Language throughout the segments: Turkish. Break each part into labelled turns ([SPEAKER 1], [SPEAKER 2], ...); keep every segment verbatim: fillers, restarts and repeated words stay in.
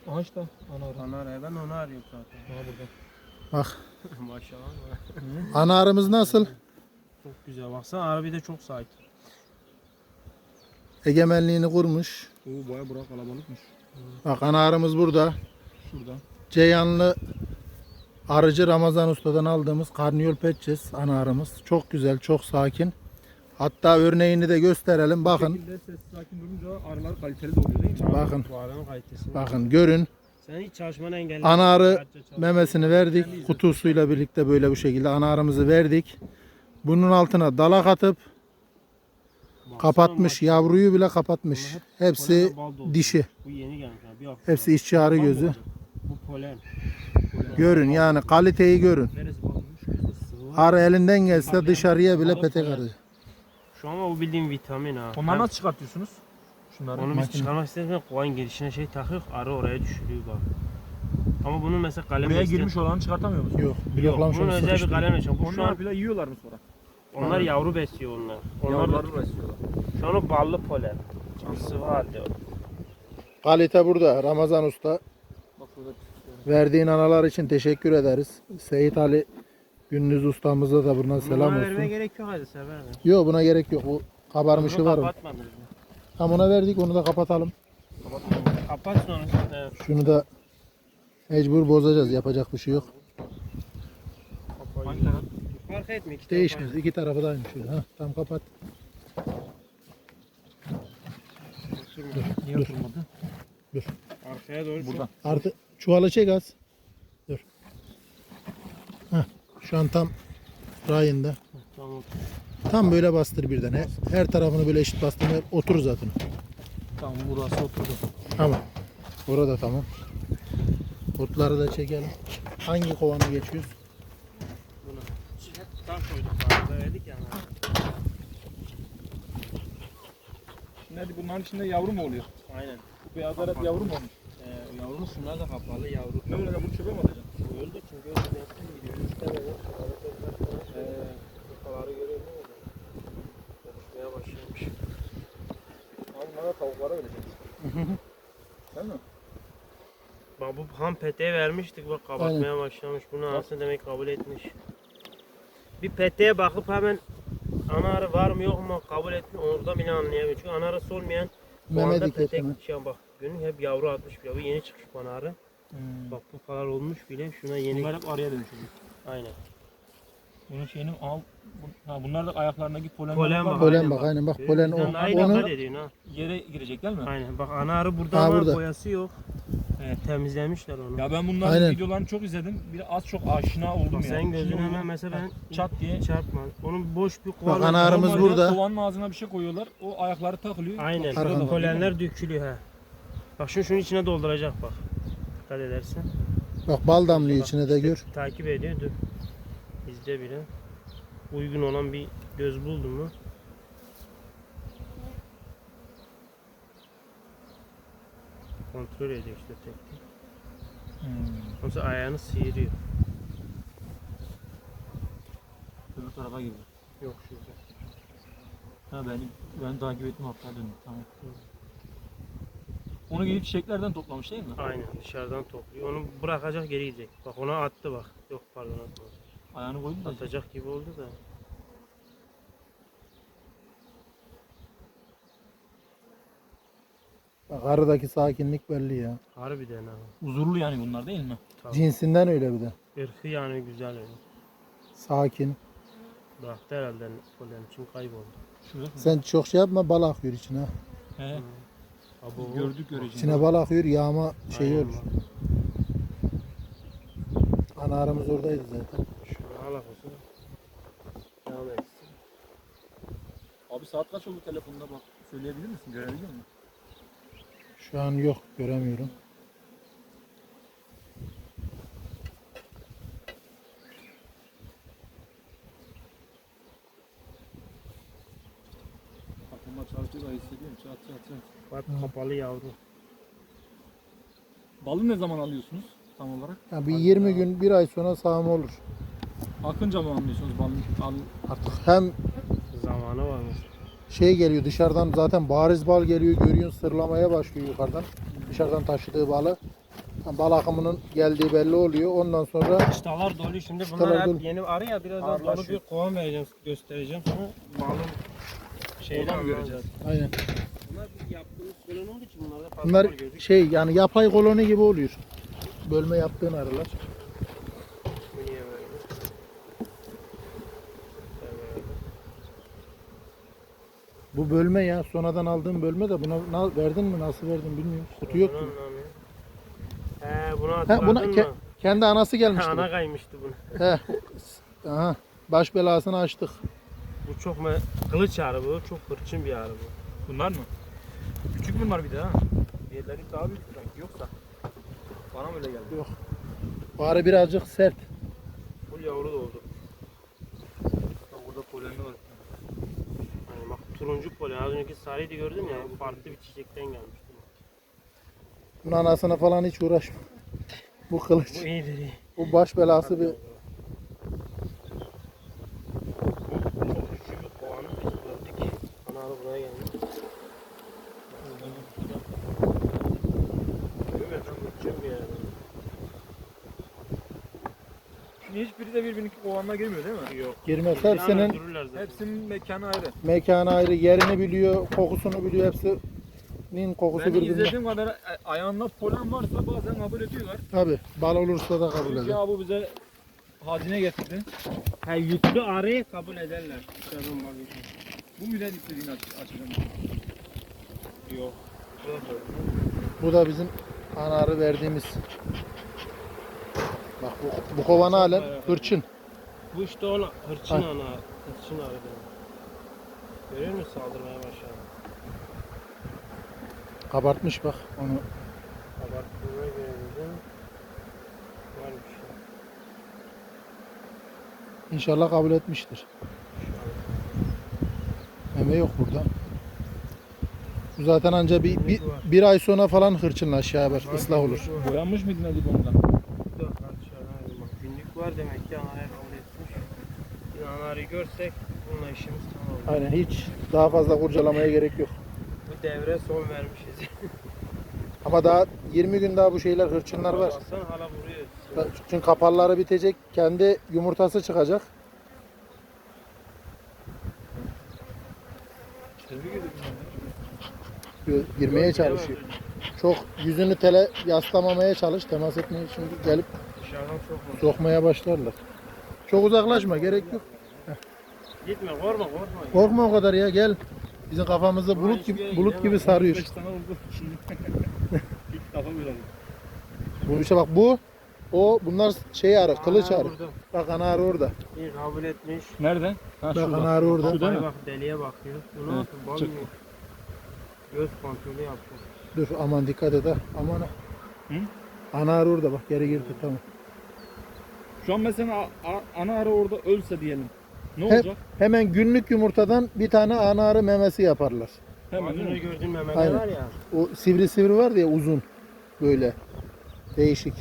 [SPEAKER 1] Aha işte ana arı.
[SPEAKER 2] Ana arı. Ben onu arıyorum zaten.
[SPEAKER 1] Aha burada.
[SPEAKER 3] Bak.
[SPEAKER 2] Maşallah.
[SPEAKER 3] Ana arımız nasıl?
[SPEAKER 2] Çok güzel. Baksana arı bir de çok sakin.
[SPEAKER 3] Egemenliğini kurmuş.
[SPEAKER 1] Oo baya bura kalabalıkmış.
[SPEAKER 3] Bak ana arımız burada.
[SPEAKER 1] Şurada.
[SPEAKER 3] Ceyhanlı arıcı Ramazan Usta'dan aldığımız Karniyol Petçes ana arımız. Çok güzel, çok sakin. Hatta örneğini de gösterelim. Bakın.
[SPEAKER 1] Bu şekilde sessiz sakin durunca arılar kaliteli de oluyor değil mi?
[SPEAKER 3] Bakın.
[SPEAKER 2] Bu arının kalitesi.
[SPEAKER 3] Bakın görün.
[SPEAKER 2] Sen hiç çalışmanı engelleme.
[SPEAKER 3] Ana arı
[SPEAKER 2] Sadece çalış.
[SPEAKER 3] memesini verdik. Kutusuyla birlikte böyle bu şekilde ana arımızı verdik. Bunun altına dalak atıp
[SPEAKER 2] Baksana
[SPEAKER 3] kapatmış.
[SPEAKER 2] maşallah.
[SPEAKER 3] Yavruyu bile kapatmış. Hepsi
[SPEAKER 2] Polenle bal dolu.
[SPEAKER 3] dişi.
[SPEAKER 2] Bu yeni gelmiş. ha, Bir hafta.
[SPEAKER 3] Hepsi işçi arı
[SPEAKER 2] Bal mı
[SPEAKER 3] gözü.
[SPEAKER 2] olacak? Bu polen. Polen.
[SPEAKER 3] Görün yani kaliteyi görün.
[SPEAKER 2] Neresi balmış? Sıvı.
[SPEAKER 3] Arı elinden gelse dışarıya bile petek arı.
[SPEAKER 2] Şu an o bildiğin vitamin ha.
[SPEAKER 1] Onları
[SPEAKER 2] Ben-
[SPEAKER 1] nasıl çıkartıyorsunuz? Şunları.
[SPEAKER 2] Onu biz
[SPEAKER 3] Makine.
[SPEAKER 2] çıkarmak istediğimizde kovanın girişine şey takıyor, arı oraya düşürüyor bak. Ama bunun mesela kalem
[SPEAKER 1] Buraya
[SPEAKER 2] isteyen-
[SPEAKER 1] girmiş olanı çıkartamıyor musun?
[SPEAKER 3] Yok.
[SPEAKER 2] Yok,
[SPEAKER 3] Bloklamış
[SPEAKER 2] bunun
[SPEAKER 3] onu
[SPEAKER 2] özel bir
[SPEAKER 3] sıkıştırıyor.
[SPEAKER 2] kalem açıyor. Bu şu
[SPEAKER 1] Onlar
[SPEAKER 2] an
[SPEAKER 1] bile yiyorlar mı sonra?
[SPEAKER 2] onlar yavru besliyor onlar. Onlar da,
[SPEAKER 1] Yavruları besliyorlar.
[SPEAKER 2] şu an o ballı polen. Sıvı halde o.
[SPEAKER 3] Kalite burada. Ramazan Usta.
[SPEAKER 1] Bak şurada.
[SPEAKER 3] Verdiğin analar için teşekkür ederiz. Seyit Ali Gündüz ustamıza da buradan selam
[SPEAKER 2] Bunlara vermeye
[SPEAKER 3] olsun.
[SPEAKER 2] gerek yok hadi sever.
[SPEAKER 3] Yok buna gerek yok. Bu kabarmışı
[SPEAKER 2] Bunu
[SPEAKER 3] var mı?
[SPEAKER 2] kapatmadınız mı?
[SPEAKER 3] Tam ona verdik, onu da kapatalım.
[SPEAKER 2] Kapat sonra. Evet.
[SPEAKER 3] Şunu da mecbur bozacağız. Yapacak bir şey yok.
[SPEAKER 1] Hangi taraf?
[SPEAKER 2] Fark etmiyor. iki
[SPEAKER 3] Değişmez. İki tarafı da aynı şey. Ha, tam kapat.
[SPEAKER 1] Niye oturmadı?
[SPEAKER 2] Arkaya doğru.
[SPEAKER 1] Buradan.
[SPEAKER 3] Artı çuvalı çek az. Dur. Heh, şu an tam rayında.
[SPEAKER 2] Tamam.
[SPEAKER 3] Tam böyle bastır birden. Her, her tarafını böyle eşit bastırma otur zaten.
[SPEAKER 1] Tamam burası oturdu.
[SPEAKER 3] Tamam. Orada tamam. Otları da çekelim. Hangi kovana geçiyoruz?
[SPEAKER 2] Bunu. Hep tam koyduk. Arada verdik ya.
[SPEAKER 1] Şimdi bunların içinde yavru mu oluyor?
[SPEAKER 2] Aynen.
[SPEAKER 1] Bu beyazlar hep yavru mu olmuş?
[SPEAKER 2] Ee, yavru şunlar da kapalı yavru.
[SPEAKER 1] Ne öyle bunu çöpe mi atacaksın?
[SPEAKER 2] Öldü çünkü öyle bensin gidiyor. Üstte böyle. Eee kafaları görüyor musun? Konuşmaya başlamış.
[SPEAKER 1] Ama bunlara tavuklara vereceksin. Değil mi?
[SPEAKER 2] Bak bu ham peteğe vermiştik bak kapatmaya başlamış. Bunu aslında demek kabul etmiş. Bir peteğe bakıp hemen ana arı var mı yok mu kabul etmiyor. Orada bile anlayamıyor. Çünkü ana arısı olmayan bu
[SPEAKER 3] Meme
[SPEAKER 2] anda
[SPEAKER 3] dikkat
[SPEAKER 2] petek
[SPEAKER 3] hemen.
[SPEAKER 2] şey bak. Günün hep yavru atmış bile. Bu yeni çıkmış bana arı.
[SPEAKER 1] Hmm.
[SPEAKER 2] Bak bu kadar olmuş bile. Şuna yeni.
[SPEAKER 1] Bunlar hep arıya dönüşecek.
[SPEAKER 2] Aynen.
[SPEAKER 1] Bunun şeyinin al, bu, ha, bunlar da ayaklarındaki polenler
[SPEAKER 2] Polen
[SPEAKER 1] var.
[SPEAKER 2] bak.
[SPEAKER 3] Polen
[SPEAKER 2] aynen
[SPEAKER 3] bak aynen bak
[SPEAKER 2] Görüyor
[SPEAKER 3] polen
[SPEAKER 2] musun?
[SPEAKER 3] o.
[SPEAKER 2] Bizden daha iyi
[SPEAKER 3] Onu
[SPEAKER 2] dikkat ediyorsun ha.
[SPEAKER 1] Yere girecek değil mi?
[SPEAKER 2] Aynen bak ana arı burada
[SPEAKER 3] Ha,
[SPEAKER 2] ama
[SPEAKER 3] burada.
[SPEAKER 2] boyası yok.
[SPEAKER 1] Evet.
[SPEAKER 2] Temizlemişler onu.
[SPEAKER 1] Ya ben bunların
[SPEAKER 3] Aynen.
[SPEAKER 1] videolarını çok izledim. Bir az çok aşina oldum
[SPEAKER 2] Bak
[SPEAKER 1] ya.
[SPEAKER 2] sen gözün
[SPEAKER 1] Şimdi
[SPEAKER 2] hemen
[SPEAKER 1] onu
[SPEAKER 2] mesela ben
[SPEAKER 1] çat diye.
[SPEAKER 2] çarpma. Onun boş bir
[SPEAKER 3] Bak
[SPEAKER 2] kovanı.
[SPEAKER 3] ana arımız
[SPEAKER 1] Normalde
[SPEAKER 3] burada.
[SPEAKER 1] Kovanın ağzına bir şey koyuyorlar. O ayakları takılıyor.
[SPEAKER 2] Aynen.
[SPEAKER 1] Bak, şurada da
[SPEAKER 3] Arkada.
[SPEAKER 1] var,
[SPEAKER 2] Polenler dökülüyor ha. Bak şunu şunun içine dolduracak bak. Dikkat edersen.
[SPEAKER 3] Bak bal damlıyor
[SPEAKER 2] Bak,
[SPEAKER 3] içine de
[SPEAKER 2] işte
[SPEAKER 3] gör.
[SPEAKER 2] Takip ediyor dur. İzle bile. Uygun olan bir göz buldun mu? Kontrol ediyor işte tek tek.
[SPEAKER 1] Hmm.
[SPEAKER 2] Ondan sonra ayağını sıyırıyor.
[SPEAKER 1] Öbür tarafa girdi.
[SPEAKER 2] Yok şurada.
[SPEAKER 1] Ha ben ben takip ettim hatta döndüm. Tamam. Onu gidip çiçeklerden toplamış değil mi?
[SPEAKER 2] Aynen dışarıdan topluyor. Onu bırakacak geri gidecek. Bak ona attı bak. Yok pardon atmadı.
[SPEAKER 1] Ayağını koydu da.
[SPEAKER 2] Atacak gibi oldu da.
[SPEAKER 3] Bak arıdaki sakinlik belli ya.
[SPEAKER 2] Harbiden ha.
[SPEAKER 1] Huzurlu yani bunlar değil mi?
[SPEAKER 2] Tabii.
[SPEAKER 3] Cinsinden öyle bir de.
[SPEAKER 2] Irkı yani güzel öyle.
[SPEAKER 3] Sakin.
[SPEAKER 2] Bıraktı herhalde polen için kayboldu.
[SPEAKER 1] Şurada.
[SPEAKER 3] Sen çok şey yapma, bal akıyor içine.
[SPEAKER 1] He.
[SPEAKER 2] Abo.
[SPEAKER 1] Gördük göreceğiz.
[SPEAKER 3] İçine bal akıyor, yağma şeyi
[SPEAKER 2] Aynen
[SPEAKER 3] olur.
[SPEAKER 2] bak.
[SPEAKER 3] Ana arımız oradaydı zaten.
[SPEAKER 2] Şunu al olsun. Devam etsin.
[SPEAKER 1] Abi saat kaç oldu telefonda bak. Söyleyebilir misin? Görebiliyor musun?
[SPEAKER 3] Şu an yok, göremiyorum.
[SPEAKER 1] Kafamda çalışıyor da hissediyorum. Çat çat çat.
[SPEAKER 2] Bak kapalı yavru.
[SPEAKER 1] Balı ne zaman alıyorsunuz tam olarak?
[SPEAKER 3] Ya bir yirmi gün, bir ay sonra sağım olur.
[SPEAKER 1] Akınca mı anlıyorsunuz balın? Al,
[SPEAKER 3] Artık hem
[SPEAKER 2] Zamanı varmış.
[SPEAKER 3] şey geliyor dışarıdan, zaten bariz bal geliyor, görüyorsun, sırlamaya başlıyor yukarıdan. Dışarıdan taşıdığı balı. Bal akımının geldiği belli oluyor. Ondan sonra
[SPEAKER 2] Çıtalar dolu şimdi
[SPEAKER 3] Çıtalar
[SPEAKER 2] bunlar hep
[SPEAKER 3] dolu.
[SPEAKER 2] yeni arı ya birazdan dolu
[SPEAKER 1] Ağırlaşıyor.
[SPEAKER 2] bir kovan vereceğim göstereceğim sonra balın şeyden
[SPEAKER 1] Oradan göreceğiz.
[SPEAKER 3] aynen.
[SPEAKER 2] Bunlar biz yaptığımız kolon olduğu için bunlarda fazla
[SPEAKER 3] Bunlar
[SPEAKER 2] var gözük.
[SPEAKER 3] şey yani yapay koloni gibi oluyor. Bölme yaptığın arılar.
[SPEAKER 2] Bu niye böyle? Evet.
[SPEAKER 3] Bu bölme ya sonradan aldığım bölme de buna na- verdin mi nasıl verdin bilmiyorum. Kutu yok
[SPEAKER 2] Bunu
[SPEAKER 3] ki.
[SPEAKER 2] anlamıyorum. He bunu
[SPEAKER 3] Ha,
[SPEAKER 2] hatırladın
[SPEAKER 3] buna
[SPEAKER 2] mı?
[SPEAKER 3] ke- kendi anası gelmişti.
[SPEAKER 2] Ha,
[SPEAKER 3] bu.
[SPEAKER 2] ana kaymıştı bunu.
[SPEAKER 3] He. Aha. Baş belasını açtık.
[SPEAKER 2] Bu çok me kılıç arı bu. Çok hırçın bir arı bu.
[SPEAKER 1] Bunlar mı? Küçük bunlar bir de ha. Diğerleri daha büyük sanki yoksa. Bana mı öyle geldi?
[SPEAKER 3] Yok. Bu arı birazcık sert.
[SPEAKER 2] Full yavru doldu.
[SPEAKER 1] Bak burada polenli var.
[SPEAKER 2] Yani bak turuncu polen. Az önceki sarıydı gördün ya. Bu farklı bir çiçekten gelmişti.
[SPEAKER 3] Bunun anasına falan hiç uğraşma. Bu kılıç.
[SPEAKER 2] Bu iyidir iyi.
[SPEAKER 3] Bu baş belası bir
[SPEAKER 2] Çok küçük bir kovanı biz gördük. Ana arı buraya geldi. Evet, çok hırçın bir yer.
[SPEAKER 1] Şimdi hiçbiri de birbirinin kovanına girmiyor değil mi?
[SPEAKER 2] Yok.
[SPEAKER 3] girmez.
[SPEAKER 2] Yani
[SPEAKER 3] Hepsinin
[SPEAKER 2] öldürürler zaten.
[SPEAKER 1] Hepsinin mekanı ayrı.
[SPEAKER 3] mekanı ayrı, yerini biliyor, kokusunu biliyor. Hepsinin kokusu
[SPEAKER 1] Ben
[SPEAKER 3] birbirine.
[SPEAKER 1] izlediğim kadar a- ayağında polen varsa bazen kabul ediyorlar.
[SPEAKER 3] Tabi bal olursa da kabul
[SPEAKER 1] Çünkü
[SPEAKER 3] eder.
[SPEAKER 1] ya bu bize hazine getirdi.
[SPEAKER 2] Ha, yüklü arıyı kabul ederler. Dışarıdan bakayım.
[SPEAKER 1] Bu müden istediğini aç açacağım.
[SPEAKER 2] Yok.
[SPEAKER 3] Bu da bizim ana arı verdiğimiz. Bak bu, bu kovan halen hırçın.
[SPEAKER 2] Bu işte ona hırçın
[SPEAKER 3] Ay.
[SPEAKER 2] ana. Hırçın arı benim. Görüyor musun saldırmaya başladı.
[SPEAKER 3] Kabartmış bak onu.
[SPEAKER 2] Abarttığına göre dedim. Var bir şey.
[SPEAKER 3] İnşallah kabul etmiştir. Meme yok burada. Bu zaten anca bir, bir, bir ay sonra falan hırçınlaş ya bak ıslah olur.
[SPEAKER 1] Boyanmış mıydın Ali ondan?
[SPEAKER 2] Dört kat dışarı bak. Günlük var demek ki anarya kabul etmiş. Bir anarya görsek bununla işimiz tamam olur.
[SPEAKER 3] Aynen hiç daha fazla kurcalamaya gerek yok.
[SPEAKER 2] Bu devre son vermişiz.
[SPEAKER 3] Ama daha yirmi gün daha bu şeyler hırçınlar var.
[SPEAKER 2] Baksana hala vuruyor.
[SPEAKER 3] Çünkü kapalları bitecek, kendi yumurtası çıkacak. Girmeye çalışıyor. Çok yüzünü tele yaslamamaya çalış, temas etmeye şimdi gelip
[SPEAKER 2] Dışarıdan çok vurdu.
[SPEAKER 3] sokmaya başlarlar. Çok uzaklaşma, gerek yok.
[SPEAKER 2] Gitme korkma korkma.
[SPEAKER 3] Korkma o kadar ya, gel. Bizim kafamızı bulut gibi bulut gibi sarıyor.
[SPEAKER 1] beş tane oldu şimdi. İlk defa böyle oldu.
[SPEAKER 3] Bu işte bak bu, o bunlar şey arı, kılıç
[SPEAKER 2] Ana
[SPEAKER 3] arı.
[SPEAKER 2] vurdu.
[SPEAKER 3] Bak ana arı orada.
[SPEAKER 2] İyi kabul etmiş.
[SPEAKER 1] Nerede? Ha
[SPEAKER 3] Bak
[SPEAKER 1] şurada.
[SPEAKER 3] ana arı orada.
[SPEAKER 1] Şu değil
[SPEAKER 2] Bak
[SPEAKER 1] mi?
[SPEAKER 2] bak deliye bakıyor. Bunu
[SPEAKER 1] Hı,
[SPEAKER 2] nasıl bal
[SPEAKER 1] çık.
[SPEAKER 2] mı? Göz kontrolü yapıyor.
[SPEAKER 3] Dur aman dikkat et ha. Aman ha.
[SPEAKER 1] Hı?
[SPEAKER 3] Ana arı orada bak, geri girdi tamam.
[SPEAKER 1] Şu an mesela a- a- ana arı orada ölse diyelim. Ne
[SPEAKER 3] Hep-
[SPEAKER 1] olacak?
[SPEAKER 3] Hemen günlük yumurtadan bir tane ana arı memesi yaparlar.
[SPEAKER 1] Hemen
[SPEAKER 2] Az
[SPEAKER 1] değil
[SPEAKER 2] önce
[SPEAKER 1] mi?
[SPEAKER 2] gördüğün memeler
[SPEAKER 3] Aynen.
[SPEAKER 2] var ya.
[SPEAKER 3] O sivri sivri var ya uzun böyle değişik.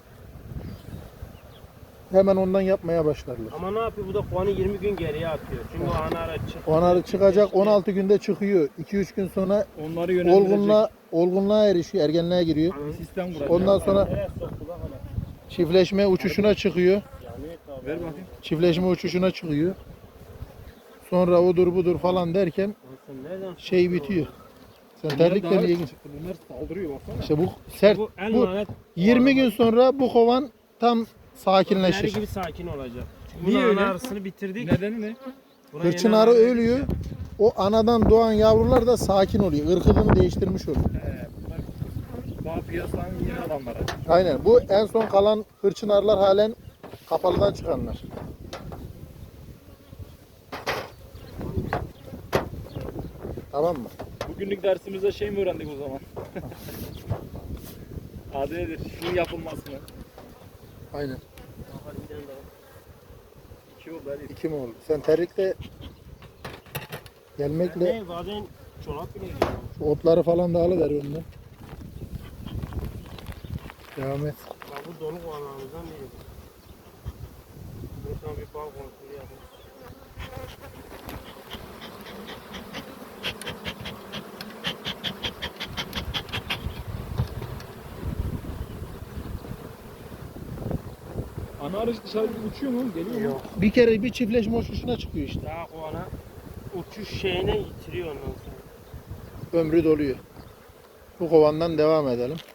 [SPEAKER 3] Hemen ondan yapmaya başlarlar.
[SPEAKER 2] Ama ne yapıyor? Bu da puanı yirmi gün geriye atıyor. Çünkü o ana ara çık.
[SPEAKER 3] O ana arı çıkacak on altı günde çıkıyor. iki üç gün sonra
[SPEAKER 1] Onları yönlendirecek
[SPEAKER 3] olgunluğa olgunluğa erişiyor, ergenliğe giriyor.
[SPEAKER 1] sistem kuracak.
[SPEAKER 3] Ondan sonra
[SPEAKER 2] Nereye soktu bak hala.
[SPEAKER 3] çiftleşme uçuşuna çıkıyor.
[SPEAKER 2] Yani tabii.
[SPEAKER 1] Ver bakayım.
[SPEAKER 3] Çiftleşme uçuşuna çıkıyor. Sonra odur budur falan derken
[SPEAKER 2] Lan sen nereden
[SPEAKER 3] şey
[SPEAKER 2] soktun
[SPEAKER 3] bitiyor. Sen
[SPEAKER 1] Bunlar
[SPEAKER 3] terlikle
[SPEAKER 1] daha-
[SPEAKER 3] niye gir-
[SPEAKER 1] Bunlar saldırıyor baksana.
[SPEAKER 3] İşte bu
[SPEAKER 2] onu?
[SPEAKER 3] sert.
[SPEAKER 2] Bu en
[SPEAKER 3] Bu
[SPEAKER 2] lanet.
[SPEAKER 3] yirmi gün sonra bu kovan tam
[SPEAKER 2] Diğeri
[SPEAKER 3] sakinleşir.
[SPEAKER 2] gibi sakin olacak. Çünkü
[SPEAKER 1] Niye
[SPEAKER 2] bunun
[SPEAKER 1] öyle?
[SPEAKER 2] ana arısını bitirdik.
[SPEAKER 1] Nedeni ne?
[SPEAKER 2] Buna
[SPEAKER 3] Hırçın
[SPEAKER 2] yeni
[SPEAKER 3] arı
[SPEAKER 2] ana-
[SPEAKER 3] ölüyor. O anadan doğan yavrular da sakin oluyor. Irkını değiştirmiş oluyor.
[SPEAKER 1] He, bunlar daha piyasanın yeni adamları.
[SPEAKER 3] Aynen. Bu en son kalan hırçın arılar halen kapalıdan çıkanlar. Tamam mı?
[SPEAKER 1] Bugünlük dersimizde şey mi öğrendik o zaman? Adı nedir? Şunun yapılmasını.
[SPEAKER 3] Aynen.
[SPEAKER 2] Hadi bir tane daha.
[SPEAKER 1] İki oldu Ali.
[SPEAKER 3] İki mi oldu? Sen terlikle gelmekle
[SPEAKER 2] Ne bazen çorap bile giyiyor.
[SPEAKER 3] şu otları falan da alıver önden. Devam et.
[SPEAKER 2] Bak bu donuk olanlarımızdan biri. Bunu sana bir bal kontrolü yapalım.
[SPEAKER 1] Ana arı dışarı uçuyor mu? Geliyor mu?
[SPEAKER 2] Yok.
[SPEAKER 3] Bir kere bir çiftleşme uçuşuna çıkıyor işte.
[SPEAKER 2] Daha kovana uçuş şeyine yitiriyor ondan sonra.
[SPEAKER 3] Ömrü doluyor. Bu kovandan devam edelim.